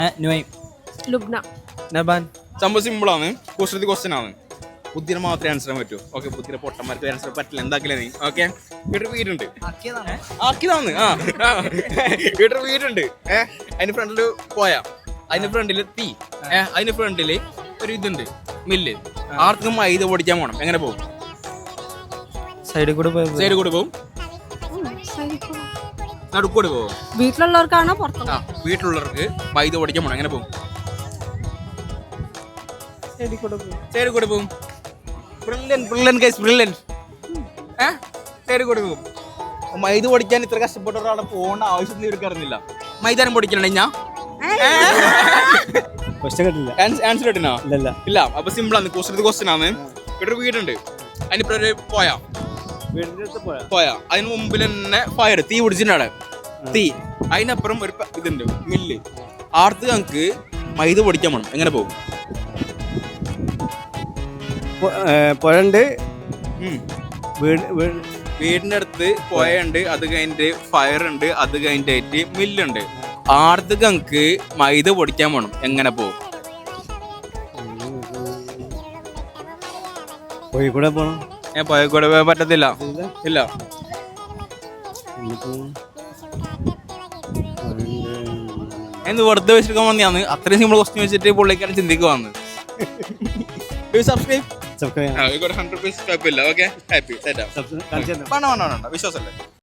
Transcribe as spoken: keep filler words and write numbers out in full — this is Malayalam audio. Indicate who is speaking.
Speaker 1: ലുബ്ന.
Speaker 2: നബാൻ.
Speaker 3: സംഭവം സിമ്പിളാണ്, കുസൃതി ക്വസ്റ്റ്യൻ ആണ്. ബുദ്ധിനെ മാത്രമേ ആൻസർ ചെയ്യാൻ പറ്റൂ. ഓക്കെ, ബുദ്ധിനെ പൊട്ടന്മാർക്ക് ആൻസർ പറ്റില്ല. എന്താക്കില്ല നീ? ഓക്കെ, വീട്ടിൽ വീടുണ്ട്. ആക്കിയതാണ്. ആ വീട്ടിൽ വീടുണ്ട്. ഏഹ് അതിന് ഫ്രണ്ടില് പോയ അതിന് ഫ്രണ്ടില് തീ, ഏഹ് അതിന് ഫ്രണ്ടില് ഒരു ഇതുണ്ട്, മില്ല്. ആർക്കും മൈദ പൊടിക്കാൻ പോണം. എങ്ങനെ പോകും?
Speaker 2: സൈഡിൽ കൂടെ പോയി
Speaker 3: സൈഡിൽ കൂടെ പോകും, നടുക്കൂടെ പോകും.
Speaker 1: വീട്ടിലുള്ളവർക്കാണോ പുറത്തോ?
Speaker 3: ആ, വീട്ടിലുള്ളവർക്ക് മൈദ പൊടിക്കാൻ പോണം. എങ്ങനെ പോകും?
Speaker 2: സൈഡിൽ കൂടെ പോയി
Speaker 3: സൈഡിൽ കൂടെ പോകും. Brilliant brilliant guys brilliant. ഏഹ് സൈഡിൽ കൂടെ പോകും. മൈദ പൊടിക്കാൻ ഇത്ര കഷ്ടപ്പെട്ട ഒരാളെ പോകേണ്ട ആവശ്യം ഇവർക്ക് അറിഞ്ഞില്ല. മൈദാനം പൊടിക്കണേ ഞാൻ
Speaker 2: ക്വസ്റ്റ്യൻ കിട്ടില്ല.
Speaker 3: ആൻസർ കിട്ടുന്നോ?
Speaker 2: ഇല്ല
Speaker 3: ഇല്ല. അപ്പൊ സിമ്പിൾ ആണ്, ക്വസ്റ്റ്യൻ ക്വസ്റ്റ്യൻ ആണ്. ഇവിടെ ഒരു വീടുണ്ട്, അതിനിപ്പോ ഒരു പോയാ
Speaker 2: വീടിന്റെ അടുത്ത് പോയാ
Speaker 3: പോയാ അതിന് മുമ്പിൽ തന്നെ ഫയർ, തീ പിടിച്ചിട്ടാണ് തീ. അതിനപ്പുറം ഒരു പ- ഇതുണ്ട്, മില്ല്. ആർത്ത് ഞങ്ങൾക്ക് മൈദ പൊടിക്കാൻ വേണം. എങ്ങനെ പോകും?
Speaker 2: പുഴണ്ട്
Speaker 3: ഉം.
Speaker 2: വീട് വീട്
Speaker 3: വീടിന്റെ അടുത്ത് പുഴയുണ്ട്, അത് കഴിഞ്ഞിട്ട് ഫയർ ഉണ്ട്, അത് കഴിഞ്ഞിട്ട് മില്ലുണ്ട്. ആർത്ത് ഞങ്ങൾക്ക് മൈദ പൊടിക്കാൻ വേണം. എങ്ങനെ പോകും?
Speaker 2: കോഴിക്കൂടെ പോണം.
Speaker 3: ഞാൻ പുഴ കൂടെ പോകാൻ പറ്റത്തില്ല. ഇല്ല. എന്ന് വെറുതെ വെച്ചിരിക്കാൻ വന്നിയാന്ന്. അത്രയും സിമ്പിൾ ക്വസ്റ്റ്യൻ വെച്ചിട്ട് പുള്ളിക്കാരൻ ചിന്തിക്കുവാന്ന്. സബ്സ്ക്രൈബ്
Speaker 2: സബ്സ്ക്രൈബ്
Speaker 3: ഹൺഡ്രഡ് പേഴ്സെന്റ് കുഴപ്പമില്ല. Okay, happy set.
Speaker 2: സബ്സ്ക്രൈബ്
Speaker 3: വേണ്ട വേണ്ട വേണ്ട വിശ്വാസല്ലേ.